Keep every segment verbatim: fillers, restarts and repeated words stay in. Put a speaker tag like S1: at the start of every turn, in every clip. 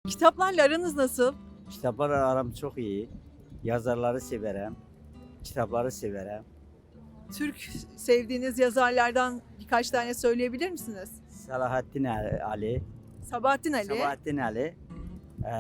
S1: Kitaplarla aranız nasıl?
S2: Kitaplar aram çok iyi. Yazarları severim. Kitapları severim.
S1: Türk sevdiğiniz yazarlardan birkaç tane söyleyebilir misiniz?
S2: Salahattin Ali,
S1: Sabahattin Ali.
S2: Sabahattin Ali. Ee,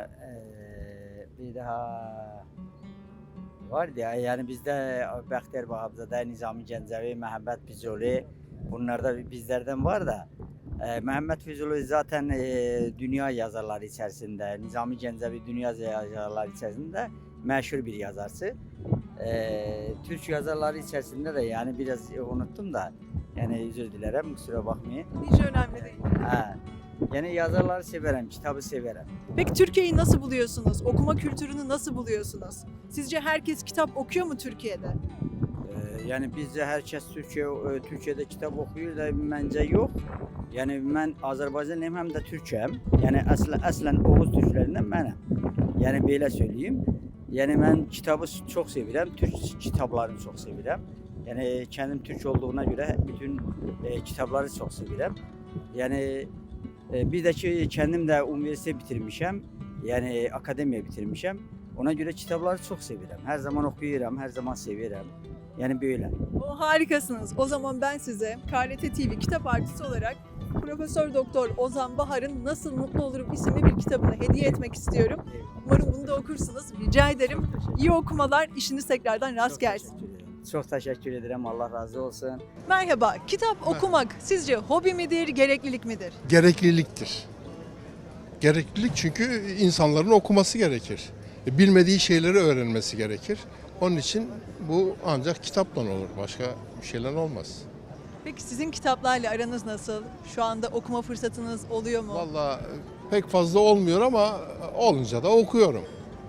S2: e, bir daha vardı ya, yani bizde Bəxtiyar Vahabzadə, Nizami Gəncəvi, Məhəmməd Füzuli, bunlar da bizlerden var da. E, Mehmet Füzuli zaten e, dünya yazarları içerisinde, Nizami Gəncəvi dünya yazarları içerisinde meşhur bir yazarsı. E, Türk yazarları içerisinde de yani biraz unuttum da, yani özür dilerim, kusura bakmayın.
S1: Hiç önemli değil.
S2: Ha. Yani yazarları severim, kitabı severim.
S1: Peki Türkiye'yi nasıl buluyorsunuz? Okuma kültürünü nasıl buluyorsunuz? Sizce herkes kitap okuyor mu Türkiye'de?
S2: Ee, yani bizce herkes Türkiye e, Türkiye'de kitap okuyor da bence yok. Yani ben Azerbaycanlıyım hem de Türk'üm. Yani aslen aslen Oğuz Türklerinden benim. Yani böyle söyleyeyim. Yani ben kitabı çok seviyorum. Türk kitaplarını çok seviyorum. Yani kendim Türk olduğuna göre bütün e, kitapları çok seviyorum. Yani e, bir de ki kendim de üniversite bitirmişim. Yani akademiye bitirmişim. Ona göre kitapları çok seviyorum. Her zaman okuyorum, her zaman seviyorum. Yani böyle.
S1: O harikasınız. O zaman ben size K R T T V kitap artısı olarak Profesör Doktor Ozan Bahar'ın Nasıl Mutlu Olurum isimli bir kitabını hediye etmek istiyorum. Umarım bunu da okursunuz. Rica ederim. İyi okumalar, işiniz tekrardan rast
S2: Çok
S1: gelsin.
S2: teşekkür ederim. Çok teşekkür ederim. Allah razı olsun.
S1: Merhaba, kitap okumak sizce hobi midir, gereklilik midir?
S3: Gerekliliktir. Gereklilik çünkü insanların okuması gerekir. Bilmediği şeyleri öğrenmesi gerekir. Onun için bu ancak kitapla olur. Başka bir şeyler olmaz.
S1: Peki sizin kitaplarla aranız nasıl? Şu anda okuma fırsatınız oluyor mu?
S3: Vallahi pek fazla olmuyor ama olunca da okuyorum.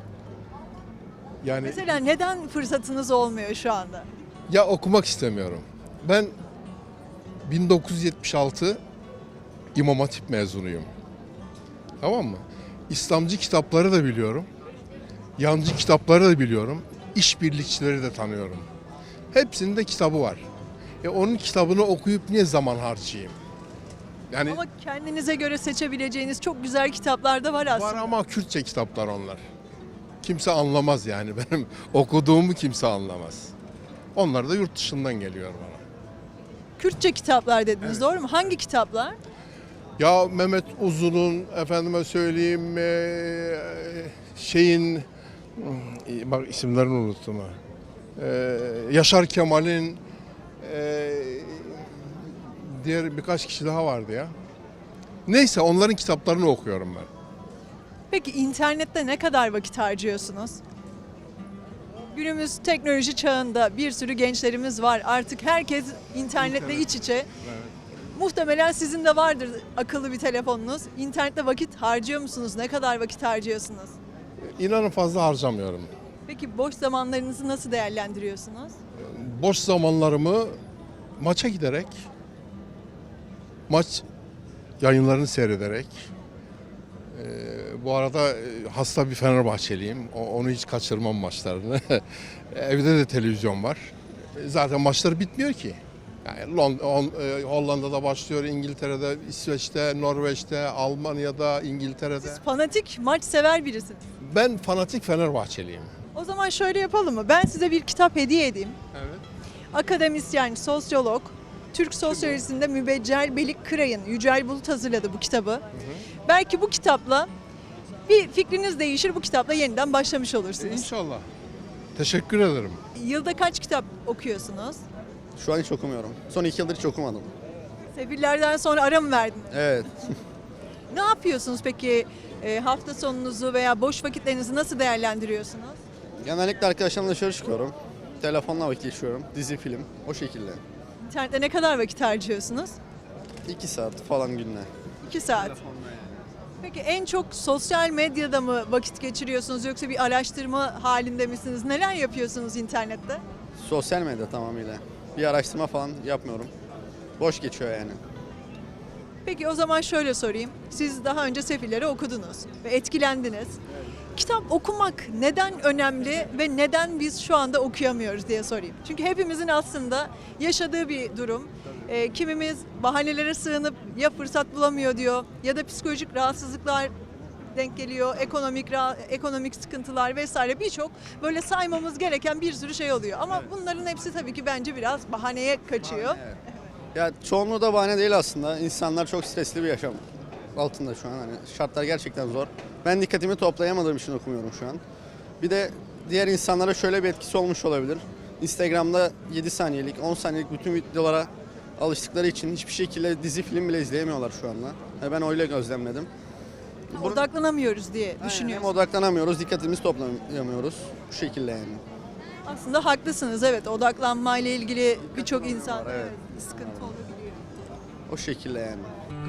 S3: Yani
S1: Mesela neden fırsatınız olmuyor şu anda?
S3: ya okumak istemiyorum. Ben bin dokuz yüz yetmiş altı İmam Hatip mezunuyum. Tamam mı? İslamcı kitapları da biliyorum. Yancı kitapları da biliyorum. İşbirlikçileri de tanıyorum. Hepsinin de kitabı var. E onun kitabını okuyup niye zaman harcayayım? Yani
S1: Ama kendinize göre seçebileceğiniz çok güzel kitaplar da var aslında.
S3: var ama Kürtçe kitaplar onlar. Kimse anlamaz yani. Benim okuduğumu kimse anlamaz. Onlar da yurt dışından geliyor bana.
S1: Kürtçe kitaplar dediniz, doğru mu? Hangi kitaplar?
S3: Ya Mehmet Uzun'un, efendime söyleyeyim eee, şeyin, hmm, bak isimlerini unuttum ha. Eee, Yaşar Kemal'in, eee, diğer birkaç kişi daha vardı ya. Neyse onların kitaplarını okuyorum ben.
S1: Peki internette ne kadar vakit harcıyorsunuz? Günümüz teknoloji çağında bir sürü gençlerimiz var. Artık herkes internetle
S3: İnternet.
S1: iç içe. Muhtemelen sizin de vardır akıllı bir telefonunuz. İnternette vakit harcıyor musunuz? Ne kadar vakit harcıyorsunuz?
S3: İnanın fazla harcamıyorum.
S1: Peki boş zamanlarınızı nasıl değerlendiriyorsunuz?
S3: Boş zamanlarımı maça giderek, maç yayınlarını seyrederek, eee, bu arada e, hasta bir Fenerbahçeliyim. O- Onu hiç kaçırmam maçlarını. Evde de televizyon var. E, Zaten maçlar bitmiyor ki. Yani Lond- Hol- e, Hollanda'da başlıyor, İngiltere'de, İsveç'te, Norveç'te, Almanya'da, İngiltere'de.
S1: Siz fanatik, maç sever birisiniz.
S3: Ben fanatik Fenerbahçeliyim.
S1: O zaman şöyle yapalım mı? Ben size bir kitap hediye edeyim.
S3: Evet.
S1: Akademisyen, sosyolog, Türk sosyolojisinde mübeccel Belik Kıray'ın Yücel Bulut hazırladı bu kitabı. Belki bu kitapla bir fikriniz değişir, bu kitapla yeniden başlamış olursunuz.
S3: İnşallah. Teşekkür ederim.
S1: Yılda kaç kitap okuyorsunuz?
S4: Şu an hiç okumuyorum. Son iki yıldır hiç okumadım.
S1: Sefillerden sonra ara mı verdiniz?
S4: Evet.
S1: Ne yapıyorsunuz peki? E, hafta sonunuzu veya boş vakitlerinizi nasıl değerlendiriyorsunuz?
S4: Genellikle arkadaşlarımla dışarı çıkıyorum. Telefonla vakit geçiriyorum. Dizi, film. O şekilde.
S1: İnternette ne kadar vakit harcıyorsunuz?
S4: İki saat falan günde.
S1: İki saat. Peki en çok sosyal medyada mı vakit geçiriyorsunuz yoksa bir araştırma halinde misiniz? Neler yapıyorsunuz internette?
S4: Sosyal medya tamamıyla. Bir araştırma falan yapmıyorum. Boş geçiyor yani.
S1: Peki o zaman şöyle sorayım. Siz daha önce Sefilleri okudunuz ve etkilendiniz. Kitap okumak neden önemli ve neden biz şu anda okuyamıyoruz diye sorayım. Çünkü hepimizin aslında yaşadığı bir durum. Ee, kimimiz bahanelere sığınıp ya fırsat bulamıyor diyor ya da psikolojik rahatsızlıklar denk geliyor, ekonomik ra- ekonomik sıkıntılar vesaire birçok böyle saymamız gereken bir sürü şey oluyor. Ama bunların hepsi tabii ki bence biraz bahaneye kaçıyor.
S4: Ya çoğunluğu da bahane değil aslında. İnsanlar çok stresli bir yaşam altında şu an. Hani şartlar gerçekten zor. Ben dikkatimi toplayamadığım için okumuyorum şu an. Bir de diğer insanlara şöyle bir etkisi olmuş olabilir. Instagram'da yedi saniyelik, on saniyelik bütün videolara alıştıkları için hiçbir şekilde dizi film bile izleyemiyorlar şu anda. Yani ben öyle gözlemledim. Bunu-
S1: Odaklanamıyoruz diye
S4: Aynen,
S1: düşünüyorum.
S4: hem odaklanamıyoruz, dikkatimizi toplayamıyoruz. Bu şekilde yani.
S1: Aslında haklısınız, evet, odaklanmayla ilgili birçok insan
S4: var, evet.
S1: evet, sıkıntı olabiliyor.
S4: O şekilde yani.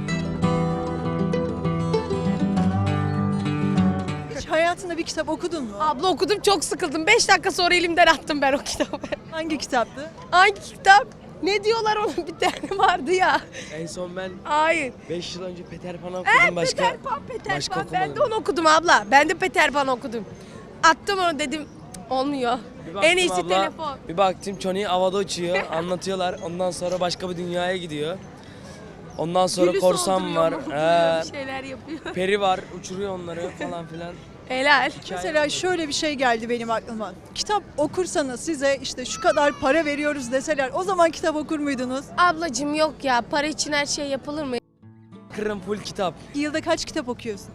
S1: Hiç hayatında bir kitap okudun mu?
S5: Abla okudum, çok sıkıldım. beş dakika sonra elimden attım ben o kitabı.
S1: Hangi kitaptı?
S5: Hangi kitap? Ne diyorlar onun, bir tane vardı ya.
S6: En son ben
S5: Hayır.
S6: beş yıl önce Peter Pan okudum
S5: Evet,
S6: başka.
S5: Peter Pan, Peter
S6: başka
S5: Pan. Ben de
S6: okumadım.
S5: onu okudum abla. Ben de Peter Pan okudum. Attım onu, dedim "Cık, olmuyor.
S6: Bir baktım
S5: En iyisi
S6: abla,
S5: telefon.
S6: Bir baktım Johnny havada uçuyor, anlatıyorlar. Ondan sonra başka bir dünyaya gidiyor. Ondan sonra
S5: Gülü
S6: korsan
S5: solduruyor,
S6: var,
S5: mahvoluyor,
S6: ee,
S5: bir şeyler yapıyor.
S6: peri var, uçuruyor onları falan filan.
S5: Helal.
S1: Mesela şöyle bir şey geldi benim aklıma. Kitap okursanız size işte şu kadar para veriyoruz deseler o zaman kitap okur muydunuz?
S5: Ablacığım yok ya, para için her şey yapılır mı?
S6: Kırım full kitap.
S1: Yılda kaç kitap okuyorsunuz?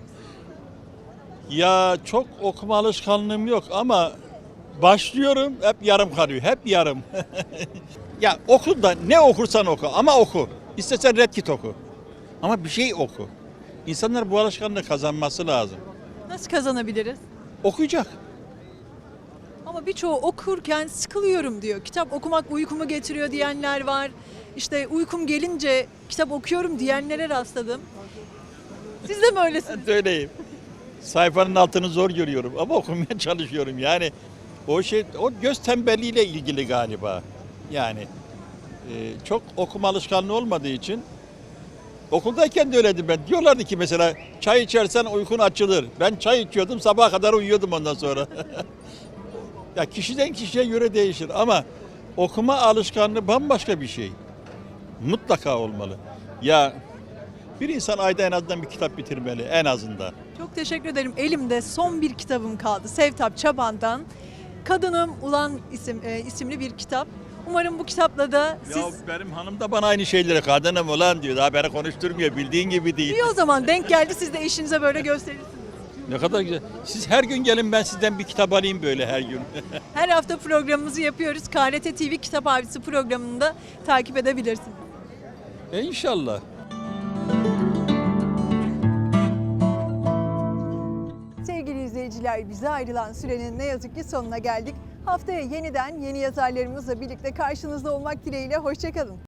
S7: Ya çok okuma alışkanlığım yok ama başlıyorum hep yarım kalıyor. Hep yarım. Ya oku da ne okursan oku ama oku. İstersen Red Kit oku. Ama bir şey oku. İnsanlar bu alışkanlığı kazanması lazım.
S1: Nasıl kazanabiliriz?
S7: Okuyacak.
S1: Ama birçoğu okurken sıkılıyorum diyor. Kitap okumak uykumu getiriyor diyenler var. İşte uykum gelince kitap okuyorum diyenlere rastladım. Siz de mi öylesiniz?
S7: Ben de öyleyim. Sayfanın altını zor görüyorum ama okumaya çalışıyorum. Yani o şey o göz tembelliğiyle ilgili galiba. Yani e, çok okuma alışkanlığı olmadığı için okuldayken de öyleydim ben. Diyorlardı ki mesela çay içersen uykun açılır. Ben çay içiyordum, sabaha kadar uyuyordum ondan sonra. Ya kişiden kişiye göre değişir ama okuma alışkanlığı bambaşka bir şey. Mutlaka olmalı. Ya bir insan ayda en azından bir kitap bitirmeli en azından.
S1: Çok teşekkür ederim. Elimde son bir kitabım kaldı. Sevtap Çaban'dan Kadınım Ulan isim, e, isimli bir kitap. Umarım bu kitapla da siz...
S7: Ya benim hanım da bana aynı şeyleri kadınım ulan diyor. Daha beni konuşturmuyor. Bildiğin gibi değil.
S1: İyi o zaman denk geldi, siz de eşinize böyle gösterirsiniz.
S7: Ne kadar güzel. Siz her gün gelin ben sizden bir kitap alayım böyle her gün.
S1: Her hafta programımızı yapıyoruz. K R T T V Kitap Abisi programını da takip edebilirsiniz.
S7: E inşallah.
S1: Sevgili izleyiciler, bize ayrılan sürenin ne yazık ki sonuna geldik. Haftaya yeniden yeni yazarlarımızla birlikte karşınızda olmak dileğiyle. Hoşça kalın.